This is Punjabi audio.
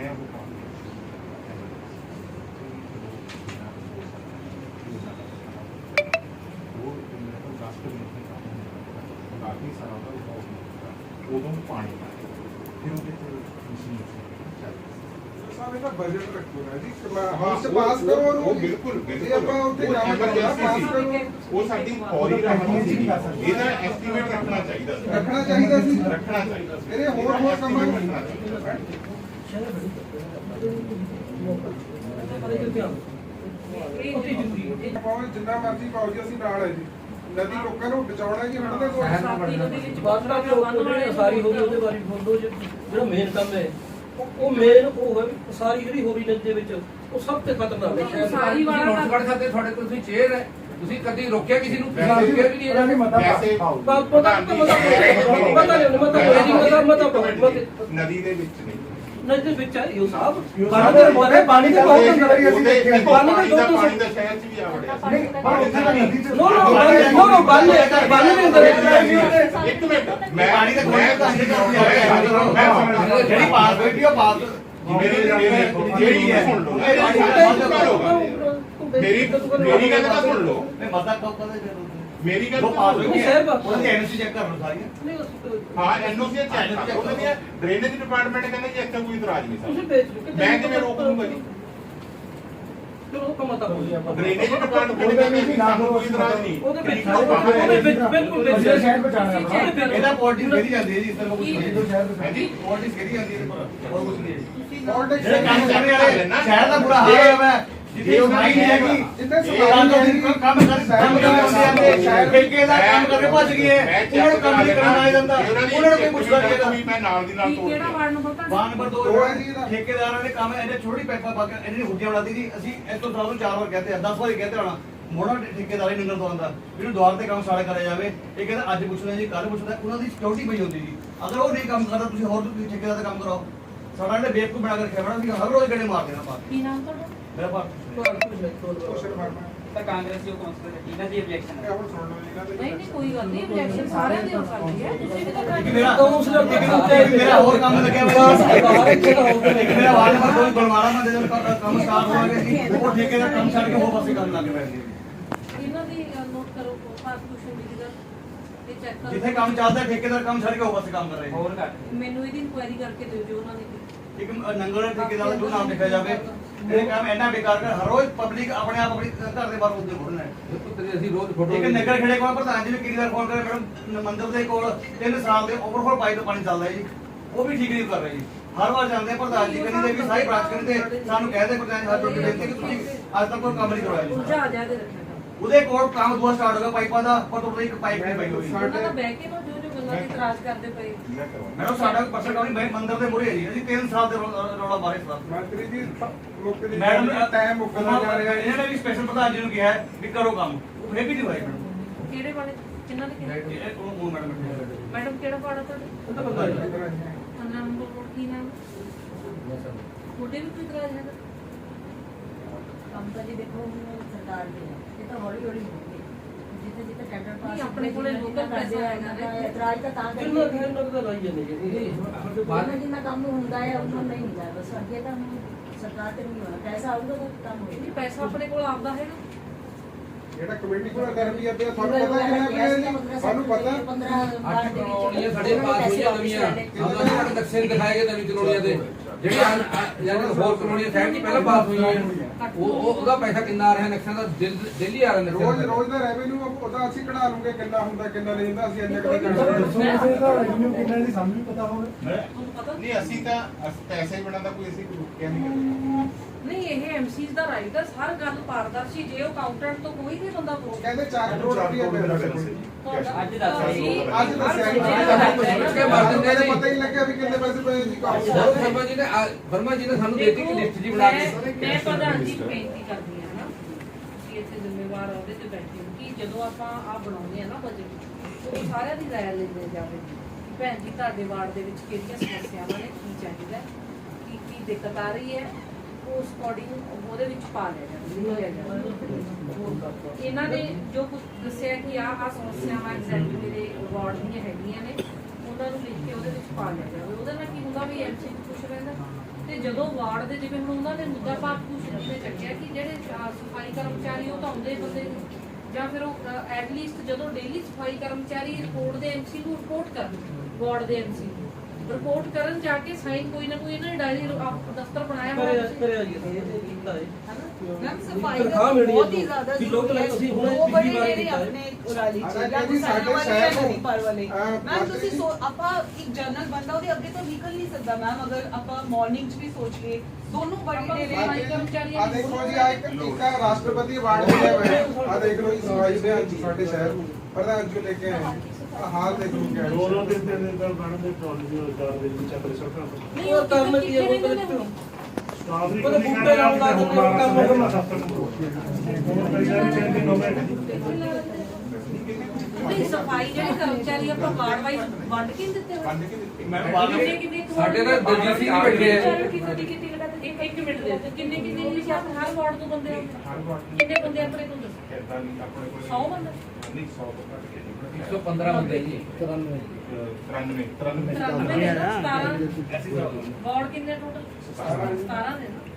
काफ़ी सारा उदों पानी फिर मशीन बजट रखो ना जी पास करो वो बिल्कुल वो साडी फौरी रहनी सी ਇਹਦਾ ਐਸਟੀਮੇਟ ਰੱਖਣਾ ਚਾਹੀਦਾ ਸੀ ਮੇਰੇ ਹੋਰ ਕੰਮ ਜਿੰਨਾ ਮਰਜ਼ੀ ਪਾਓ ਜੀ ਅਸੀਂ ਨਾਲ ਹੈ ਜੀ ਨਦੀ ਲੋਕਾਂ ਨੂੰ ਬਚਾਉਣਾ ਜੀ ਹੜ੍ਹ ਦੇ ਸਾਰੀ ਹੋ ਗਈ ਉਹਦੇ ਬਾਰੇ ਬੋਲੋ ਜਿਹੜਾ ਮੇਨ ਕੰਮ ਹੈ ਉਹ ਮੇਨ ਉਹ ਹੈ ਸਾਰੀ ਜਿਹੜੀ ਹੋ ਰਹੀ ਨਦੀ ਦੇ ਵਿੱਚ ਉਹ ਸਭ ਤੋਂ ਖਤਰਨਾਕ ਹੈ ਸਾਰੀ ਵਾਲਾ ਨੋਟ ਕਰ ਸਕਦੇ ਤੁਹਾਡੇ ਕੋਲ ਤੁਸੀਂ ਚੇਅਰ ਹੈ ਤੁਸੀਂ ਕਦੀ ਰੋਕਿਆ ਕਿਸੇ ਨੂੰ ਰੋਕਿਆ ਵੀ ਨਹੀਂ ਇਹਨਾਂ ਨੇ ਨਦੀ ਦੇ ਵਿੱਚ ਨਹੀਂ ਨਦੀ ਦੇ ਵਿੱਚ ਆਇਓ ਸਾਹਿਬ ਪਾਣੀ ਦਾ ਬਹੁਤ ਅੰਦਰ ਹੀ ਅਸੀਂ ਦੇਖਿਆ ਪਾਣੀ ਦਾ ਸ਼ਹਿਰ ਚ ਵੀ ਆ ਵੜਿਆ ਨੋ ਬਾਲੇ ਅੰਦਰ ਇੱਕ ਮਿੰਟ ਮੈਂ ਪਾਣੀ ਦਾ ਜਿਹੜੀ ਪਾਸ ਬੈਠੀ ਉਹ ਪਾਸ ਮੇਰੀ ਸੁਣ ਲਓ ਮੇਰੀ ਗੱਲ ਤਾਂ ਸੁਣ ਲਓ ਮਤਾ ਕੋਕਾ ਦੇ ਮੇਰੀ ਗੱਲ ਉਹਦੀ ਐਨਓਸੀ ਚੈੱਕ ਕਰਨ ਸਾਰੀਆਂ ਹਾਂ ਐਨਓਸੀ ਚੈੱਕ ਕਰੋ ਉਹਦੀ ਡਰੇਨੇਜ ਡਿਪਾਰਟਮੈਂਟ ਕਹਿੰਦਾ ਜੀ ਇੱਥੇ ਕੋਈ ਇਤਰਾਜ਼ ਨਹੀਂ ਤੁਸੀਂ ਸਰ ਭੇਜ ਦਿਓ ਮੈਂ ਕਿਵੇਂ ਰੋਕ ਲੂੰਗਾ ਜੀ ਚਲੋ ਕਮਾ ਤਾਂ ਬੋਲੀ ਆਪਾਂ ਡਰੇਨੇਜ ਡਿਪਾਰਟਮੈਂਟ ਕਹਿੰਦਾ ਜੀ ਸਾਨੂੰ ਕੋਈ ਇਤਰਾਜ਼ ਨਹੀਂ ਉਹਦੇ ਵਿੱਚ ਬਿਲਕੁਲ ਸ਼ਹਿਰ ਬਚਾਣਾ ਇਹਦਾ ਪੋਲਿਟਿਕਸ ਕਰੀ ਜਾਂਦੀ ਹੈ ਜੀ ਇਸ ਤਰ੍ਹਾਂ ਕੁਝ ਨਹੀਂ ਹੈ ਜੀ ਪੋਲਿਟਿਕਸ ਕਰੀ ਜਾਂਦੀ ਹੈ ਹੋਰ ਕੁਝ ਨਹੀਂ ਹੈ ਜਿਹੜੇ ਕੰਮ ਕਰਨੇ ਵਾਲੇ ਸ਼ਹਿਰ ਦਾ ਬੁਰਾ ਹਾਲ ਹੋਇਆ ਹੈ ਜੇ ਉਹ ਨਹੀਂ ਹੈਗੀ ਜਿੱਥੇ ਕੰਮ ਠੇਕੇਦਾਰ ਕੰਮ ਕਰਕੇ ਭੱਜ ਗਏ ਉਹਨਾਂ ਨੂੰ ਕੰਮ ਨਹੀਂ ਕਰਨਾ ਆ ਜਾਂਦਾ ਉਹਨਾਂ ਨੂੰ ਕੋਈ ਪੁੱਛਦਾ ਨਹੀਂ ਹੈਗਾ ਮੈਂ ਨਾਲ ਦੀ ਨਾਲ ਤੋੜ ਕਿਹੜਾ ਵਾਰਡ ਨੰਬਰ ਤੁਹਾਡਾ? ਵਾਰਡ ਨੰਬਰ 2 ਠੇਕੇਦਾਰਾਂ ਨੇ ਕੰਮ ਇਹਨੇ ਛੋਟੀ ਪੈਪਾ ਪਾ ਕੇ ਇਹਨੇ ਹੁੱਡੀਆਂ ਬਣਾਤੀ ਜੀ ਅਸੀਂ ਇਸ ਤੋਂ ਤੁਹਾਨੂੰ 4 ਵਾਰ ਕਹਤੇ 10 ਵਾਰ ਕਹਤੇ ਹੋਣਾ ਮੋੜਾ ਠੇਕੇਦਾਰ ਹੀ ਨੰਗਲ ਤੋਂ ਆਉਂਦਾ ਇਹਨੂੰ ਦੁਆਰ ਤੇ ਕੰਮ ਸਾਰਾ ਕਰਿਆ ਜਾਵੇ ਇਹ ਕਹਿੰਦਾ ਅੱਜ ਪੁੱਛਣਾ ਜੀ ਕੱਲ ਪੁੱਛਦਾ ਉਹਨਾਂ ਦੀ ਸਿਕਿਉਰਿਟੀ ਪਈ ਹੁੰਦੀ ਜੀ ਅਗਰ ਉਹ ਨਹੀਂ ਕੰਮ ਕਰਦਾ ਤੁਸੀਂ ਹੋਰ ਤੁਸੀਂ ਠੇਕੇਦਾਰ ਦਾ ਕੰਮ ਕਰਾਓ ਸਾਡਾ ਇਹਨੇ ਬੇਵਕੂਫ ਬਣਾ ਕੇ ਰੱਖਿਆ ਬਣਾ ਅਸੀਂ ਹਰ ਰੋਜ਼ ਗੜੇ ਮਾਰ ਦੇਣਾ ਬਾਤ ਕੀ ਨਾਮ ਤੁਹਾਡਾ? ਮੇਰਾ ਬਾਤ ਤਾਂ ਕਾਂਗਰਸੀ ਉਹ ਕੌਂਸਲਰ ਹੈ ਇਹਨਾਂ ਦੀ ਆਬਜੈਕਸ਼ਨ ਹੈ ਨਹੀਂ ਕੋਈ ਗੱਲ ਨਹੀਂ ਆਬਜੈਕਸ਼ਨ ਸਾਰਿਆਂ ਦੀ ਹੋ ਸਕਦੀ ਹੈ ਤੁਸੀਂ ਵੀ ਤਾਂ ਮੇਰਾ ਕਾਉਂਸਲਰ ਦੀ ਮੇਰਾ ਹੋਰ ਕੰਮ ਲੱਗਿਆ ਹੋਇਆ ਮੇਰਾ ਵਾਰਡ ਨੰਬਰ 2 ਗੁਲਮਾਰਾ ਮੰਦੇ ਦਾ ਕੰਮ ਸਟਾਰਟ ਹੋ ਗਿਆ ਸੀ ਉਹ ਠੇਕੇ ਦਾ ਕੰਮ ਛੱਡ ਕੇ ਉਹ ਪਾਸੇ ਕੰਮ ਲੱਗ ਪਏ ਸੀ ਇਹਨਾਂ ਦੀ ਨੋਟ ਕਰੋ ਪਾਸਪੋਰਟ ਦੀ ਗੱਲ ਇਹ ਚੈੱਕ ਕਰੋ ਜਿੱਥੇ ਕੰਮ ਚੱਲਦਾ ਠੇਕੇਦਾਰ ਕੰਮ ਛੱਡ ਕੇ ਉਹ ਪਾਸੇ ਕੰਮ ਕਰ ਰਹੇ ਹੋਰ ਘੱਟ ਮੈਨੂੰ ਇਹਦੀ ਇਨਕੁਆਇਰੀ ਕਰਕੇ ਦਿਓ ਜੋ ਉਹਨਾਂ ਨੇ ਇੱਕ ਨੰਗਲ ਠੇਕੇਦਾਰ ਦਾ ਜੋ ਨਾਮ ਲਿਖਿਆ ਜਾਵੇ ਇਹ ਕੰਮ ਇੰਨਾ ਬੇਕਾਰ ਕਰ ਹਰ ਰੋਜ਼ ਪਬਲਿਕ ਆਪਣੇ ਆਪ ਆਪਣੀ ਘਰ ਦੇ ਬਾਹਰ ਉੱਤੇ ਘੁੰਮਣਾ ਹੈ ਅਸੀਂ ਰੋਜ਼ ਫੋਟੋ ਇੱਕ ਨਗਰ ਖੇੜੇ ਕੋਲ ਪ੍ਰਧਾਨ ਜੀ ਨੂੰ ਕਿੰਨੀ ਵਾਰ ਫੋਨ ਕਰੇ ਮੈਡਮ ਮੰਦਰ ਦੇ ਕੋਲ 3 ਸਾਲ ਦੇ ਓਵਰਫਲੋ ਪਾਈਪ ਤੋਂ ਪਾਣੀ ਚੱਲਦਾ ਹੈ ਜੀ ਉਹ ਵੀ ਠੀਕ ਨਹੀਂ ਕਰ ਰਹੇ ਜੀ ਹਰ ਵਾਰ ਜਾਂਦੇ ਪ੍ਰਧਾਨ ਜੀ ਕਹਿੰਦੇ ਵੀ ਸਾਰੀ ਬ੍ਰਾਂਚ ਕਹਿੰਦੇ ਸਾਨੂੰ ਕਹਿੰਦੇ ਪ੍ਰਧਾਨ ਜੀ ਹੱਥ ਜੋੜ ਕੇ ਬੇਨਤੀ ਕਿ ਤੁਸੀਂ ਅੱਜ ਤੱਕ ਕੋਈ ਕੰਮ ਨਹੀਂ ਕਰਵਾਇਆ ਜੀ ਉਲਝਾ ਜਾ ਕੇ ਰੱਖਿਆ ਉਹਦੇ ਕੋਲ ਕੰਮ ਦੂਆ ਸਟਾਰਟ ਹੋ ਗਿਆ ਪਾਈਪਾਂ ਦਾ ਪਰ ਉਹਦੇ ਇੱਕ ਪਾਈਪ ਨਹੀਂ ਪਈ ਹੋਈ ਉਹਨਾਂ ਦਾ ਬਹਿ ਕੇ ਨਾ ਜੋ ਜੋ ਗੱਲਾਂ ਦੀ ਇਤਰਾਜ਼ ਕਰਦੇ ਪਏ ਮੈਡਮ ਸਾਡਾ ਪਰਸਨ ਕੰਮ ਨਹੀਂ ਮੰਦਰ ਦੇ ਮੂਹਰੇ ਹੈ ਜੀ ਅਸੀਂ 3 ਸਾਲ ਦੇ ਰੌਲਾ ਬਾਰੇ ਸਰ ਮੰਤਰੀ ਜੀ ਲੋਕਾਂ ਦੇ ਮੈਡਮ ਟਾਈਮ ਮੁੱਕਦਾ ਜਾ ਰਿਹਾ ਹੈ ਇਹਨਾਂ ਨੇ ਵੀ ਸਪੈਸ਼ਲ ਪ੍ਰਧਾਨ ਜੀ ਨੂੰ ਕਿਹਾ ਹੈ ਵੀ ਕਰੋ ਕੰਮ ਉਹ ਫੇਰ ਵੀ ਨਹੀਂ ਹੋਇਆ ਮੈਡਮ ਕਿਹੜੇ ਵਾਲੇ ਕਿੰਨਾਂ ਦੇ ਕਿਹੜੇ ਉਹ ਮੈਡਮ ਮੈਡਮ ਕਿਹੜਾ ਵਾਰਡ ਆ ਤੁਹਾਡਾ? ਉਹਦਾ ਪਤਾ ਨਹੀਂ 15 ਨੰਬਰ ਕੋਲ ਕੀ ਨਾਮ ਤੁਹਾਡੇ ਵੀ ਕੋਈ ਇਤਰਾਜ਼ ਹੈਗਾ? ਕੰਮ ਤਾਂ ਜੀ ਦੇਖੋ ਸਰਕਾਰ ਦੀ ਹੈ ਇਹ ਤਾਂ ਹੌਲੀ ਹੌਲੀ ਹੋਊਗੀ ਜਿੱਥੇ ਜਿੱਥੇ ਟੈਂਡਰ ਪਾਸ ਨਹੀਂ, ਆਪਣੇ ਕੋਲੇ local ਪੈਸਾ ਹੈਗਾ ਨਾ। ਇਤਰਾਜ਼ ਤਾਂ ਕਿੰਨਾ ਕਰਦੇ ਕਿੰਨਾ ਤਾਂ ਲਾਈ ਜਾਂਦੇ ਜੀ ਜਿੰਨਾ ਕੰਮ ਹੁੰਦਾ ਹੈ ਉਹਨਾਂ ਨਹੀਂ ਹੁੰਦਾ ਬਸ ਅੱਗੇ ਤਾਂ ਸਰਕਾਰ ਤੇ ਨਹੀਂ ਹੋਣਾ ਪੈਸਾ ਆਊਗਾ ਤਾਂ ਕੰਮ ਨਹੀਂ ਹੋਏਗਾ ਪੈਸਾ ਆਪਣੇ ਕੋਲ ਆਉਂਦਾ ਹੈਗਾ ਜਿਹੜਾ ਕਮੇਟੀ ਕੋਲ ਕਰਦੀ ਹੈ ਤੁਹਾਨੂੰ ਪਤਾ ਕਿੰਨਾ ਹੈ ਸਾਨੂੰ ਪਤਾ 15 ਵਾਰ ਦੇ ਕਲੋਨੀਆਂ ਸਾਡੇ ਪਾਸ ਹੋਈਆਂ ਨਵੀਆਂ ਉਹਨਾਂ ਦੇ ਨਕਸ਼ੇ ਦਿਖਾਏ ਗਏ ਨਵੀਂ ਕਲੋਨੀਆਂ ਦੇ ਜਿਹੜੀਆਂ ਯਾਨੀ ਹੋਰ ਕਲੋਨੀਆਂ ਸਾਈਡ ਦੀ ਪਹਿਲਾਂ ਪਾਸ ਹੋਈਆਂ ਉਹਦਾ ਪੈਸਾ ਕਿੰਨਾ ਆ ਰਿਹਾ ਨਕਸ਼ਿਆਂ ਦਾ ਦਿੱਲੀ ਆ ਰਿਹਾ ਨਕਸ਼ਾ ਰੋਜ਼ ਦਾ ਰੈਵਨਿਊ ਉਹਦਾ ਅਸੀਂ ਕਢਾ ਲੂਗੇ ਕਿੰਨਾ ਹੁੰਦਾ ਕਿੰਨਾ ਨਹੀਂ ਹੁੰਦਾ ਅਸੀਂ ਇੰਨੇ ਕਦੇ ਤੁਹਾਨੂੰ ਪਤਾ ਨਹੀਂ ਅਸੀਂ ਤਾਂ ਪੈਸੇ ਬਣਾਉਂਦਾ ਕੋਈ ਅਸੀਂ ਰੁਕਿਆ ਨਹੀਂ ਨਹੀਂ ਇਹ ਐਮਸੀਜ਼ ਦਾ ਰਾਈਟ ਹੈ ਹਰ ਗੱਲ ਪਾਰਦਰਸ਼ੀ ਜੇ ਉਹ ਕਾਊਂਟੈਂਟ ਤੋਂ ਕੋਈ ਵੀ ਬੰਦਾ ਪੁੱਛੇ ਕਹਿੰਦੇ 4 ਕਰੋੜ ਰੁਪਏ ਦੇ ਅੱਜ ਦੱਸਿਆ ਅੱਜ ਦੱਸਿਆ ਪਤਾ ਹੀ ਲੱਗਿਆ ਵੀ ਕਿੰਨੇ ਪੈਸੇ ਪਏ ਜੀ ਵਰਮਾ ਜੀ ਨੇ ਸਾਨੂੰ ਦੇਤੀ ਕਿ ਲਿਸਟ ਜੀ ਬਣਾ ਕੇ ਮੈਂ ਪ੍ਰਧਾਨ ਜੀ ਨੂੰ ਬੇਨਤੀ ਕਰਦੀ ਹਾਂ ਨਾ ਕਿ ਇੱਥੇ ਜ਼ਿੰਮੇਵਾਰ ਉਹਦੇ ਤੇ ਬੈਠੇ ਹੋ ਕਿ ਜਦੋਂ ਆਪਾਂ ਆ ਬਣਾਉਂਦੇ ਆ ਨਾ ਬਜਟ ਉਹ ਸਾਰਿਆਂ ਦੀ ਰਾਇ ਲੈਂਦੇ ਜਾਵੇ ਭੈਣ ਜੀ ਤੁਹਾਡੇ ਵਾਰਡ ਦੇ ਵਿੱਚ ਕਿਹੜੀਆਂ ਸਮੱਸਿਆਵਾਂ ਨੇ ਕੀ ਚਾਹੀਦਾ ਕੀ ਦਿੱਕਤ ਆ ਰਹੀ ਹੈ ਉਸ ਅਕੋਰਡਿੰਗ ਉਹਦੇ ਵਿੱਚ ਪਾ ਲਿਆ ਜਾਵੇ ਇਹਨਾਂ ਨੇ ਜੋ ਕੁਝ ਦੱਸਿਆ ਕਿ ਆ ਸਮੱਸਿਆਵਾਂ ਐਗਜ਼ੈਕਟ ਮੇਰੇ ਵਾਰਡ ਦੀਆਂ ਹੈਗੀਆਂ ਨੇ ਉਹਨਾਂ ਨੂੰ ਲਿਖ ਕੇ ਉਹਦੇ ਵਿੱਚ ਪਾ ਲਿਆ ਜਾਵੇ ਉਹਦੇ ਨਾਲ ਕੀ ਹੁੰਦਾ ਵੀ ਐਮਸੀ ਨੂੰ ਖੁਸ਼ ਰਹਿੰਦਾ ਤੇ ਜਦੋਂ ਵਾਰਡ ਦੇ ਜਿਵੇਂ ਹੁਣ ਉਹਨਾਂ ਨੇ ਮੁੱਦਾ ਭਾਗ ਭੂਸ਼ਣ ਨੇ ਚੱਕਿਆ ਕਿ ਜਿਹੜੇ ਸਫਾਈ ਕਰਮਚਾਰੀ ਉਹ ਤਾਂ ਆਉਂਦੇ ਬੰਦੇ ਨੇ, ਜਾਂ ਫਿਰ ਉਹ ਐਟਲੀਸਟ ਜਦੋਂ ਡੇਲੀ ਸਫਾਈ ਕਰਮਚਾਰੀ ਰਿਪੋਰਟ ਦੇ ਐਮਸੀ ਨੂੰ ਰਿਪੋਰਟ ਕਰਨ, ਵਾਰਡ ਦੇ ਐਮਸੀ ਨੂੰ ਰਿਪੋਰਟ ਕਰਨ ਜਾ ਕੇ ਸਾਈਨ ਕੋਈ ਨਾ ਕੋਈ ਇਹਨਾਂ ਨੇ ਡਾਇਰੀ ਦਫ਼ਤਰ ਬਣਾਇਆ ਹੋਇਆ ਕਰਿਆ ਜੀ ਅਸੀਂ ਇਹ ਕੀਤਾ ਹੈ ਮੈਮ ਸਫਾਈ ਤਨਖਾਹ ਦਾ ਮਿਲਣੀ ਹੈ ਬਹੁਤ ਹੀ ਜ਼ਿਆਦਾ ਕਿ ਲੋਕ ਜ਼ਰੂਰੀ ਹੈ। ਅਸੀਂ ਹੁਣੇ ਦੋ ਪਿਛਲੀ ਬੜੇ ਵਾਰ ਡੇਰੇ ਕੀਤਾ ਹੈ। ਆਪਣੇ ਉਰਾਲੀ ਚ ਸਾਡੇ ਜਾਂ ਜੀ, ਸਾਡੇ ਸਾਡੇ ਸ਼ਹਿਰ ਸ਼ਹਿਰ ਨਦੀ ਪਰ ਵਾਲੇ ਮੈਮ ਬਾਕੀ- ਤੁਸੀਂ ਆਪਾਂ ਇੱਕ ਜਨਰਲ ਬੰਦਾ ਉਹਦੇ ਅੱਗੇ ਤੋਂ ਨਿਕਲ ਨਹੀਂ ਸਕਦਾ ਮੈਮ, ਅਗਰ ਆਪਾਂ ਮਾਰਨਿੰਗ 'ਚ ਵੀ ਸੋਚ ਲਈਏ ਦੋਨੋਂ ਬੜੇ ਆਪਾਂ ਡੇਰੇ ਸਫਾਈ ਕਰਮਚਾਰੀ ਆ ਦੇਖੋ ਜੀ ਆ ਇੱਕ ਰਾਸ਼ਟਰਪਤੀ ਅਵਾਰਡ ਮਿਲਿਆ ਹੋਇਆ ਆ ਦੇਖ ਲਓ ਜੀ ਸਫਾਈ ਦੇ ਸਾਡੇ ਸ਼ਹਿਰ ਨੂੰ ਪ੍ਰਧਾਨ ਜੀ ਲੈ ਕੇ ਆਏ ਆ ਹਾਲ ਦੇਖ ਲਓ ਕਿਆ ਦੋਨੋਂ ਦਿਨ ਦੇ ਅੰਦਰ ਮੈਡਮ ਦੇ ਕਾਲਜ ਚਾਰ ਦੇ ਵਿੱਚ ਚੱਕਰ ਸੜਕਾਂ ਤੋਂ ਨਹੀਂ ਉਹ ਕੰਮ ਕਿੱਥੇ ਕੀ ਹੈ ਕਿੱਥੇ ਉਹ ਨੇ ਹੁਣ? ਸਟਾਫ ਵੀ ਉਹਦੇ ਕੋਈ ਬੂਟੇ ਲਾਉਣ ਲੱਗ ਜਾਂਦੇ ਨੇ, ਕੰਮ ਹੋ ਗਿਆ। ਹੋਰ ਕਈ ਵਾਰੀ ਚੇਂਜ ਹੋ ਗਏ ਨਹੀਂ ਸਫਾਈ ਜਿਹੜੇ ਕਰਮਚਾਰੀ ਆਪਾਂ ਵਾਰਡ ਵਾਈਜ਼ ਵੰਡ ਕੇ ਨੀ ਦਿੱਤੇ ਹੋਏ? ਵੰਡ ਕੇ ਦਿੱਤੀ। ਮੈਂ ਕਿੰਨੇ ਕਿੰਨੇ ਸਾਡੇ ਤਾਂ ਦਲਜੀਤ ਸਿੰਘ ਵੀ ਬੈਠੇ ਆ। ਇੱਕ ਮਿੰਟ ਦੇ ਦਿਓ। ਕਿੰਨੇ ਕਿੰਨੇ ਜੀ ਆਪਣੇ ਹਰ ਵਾਰਡ ਤੋਂ ਬੰਦੇ ਆਉਂਦੇ? ਹਰ ਵਾਰ ਕਿੰਨੇ ਬੰਦੇ ਆਪਣੇ ਕੋਲ ਦੱਸੋ? ਏਦਾਂ ਨਹੀਂ ਆਪਣੇ ਕੋਲ 100 ਬੰਦੇ? ਨਹੀਂ 100 ਤੋਂ ਘੱਟ ਕੇ ਨਹੀਂ 115 ਹੁੰਦੇ ਜੀ 93 93 ਨੇ ਨਾ 17 ਵਾਰਡ ਕਿੰਨੇ ਟੋਟਲ? 17 ਨੇ ਨਾ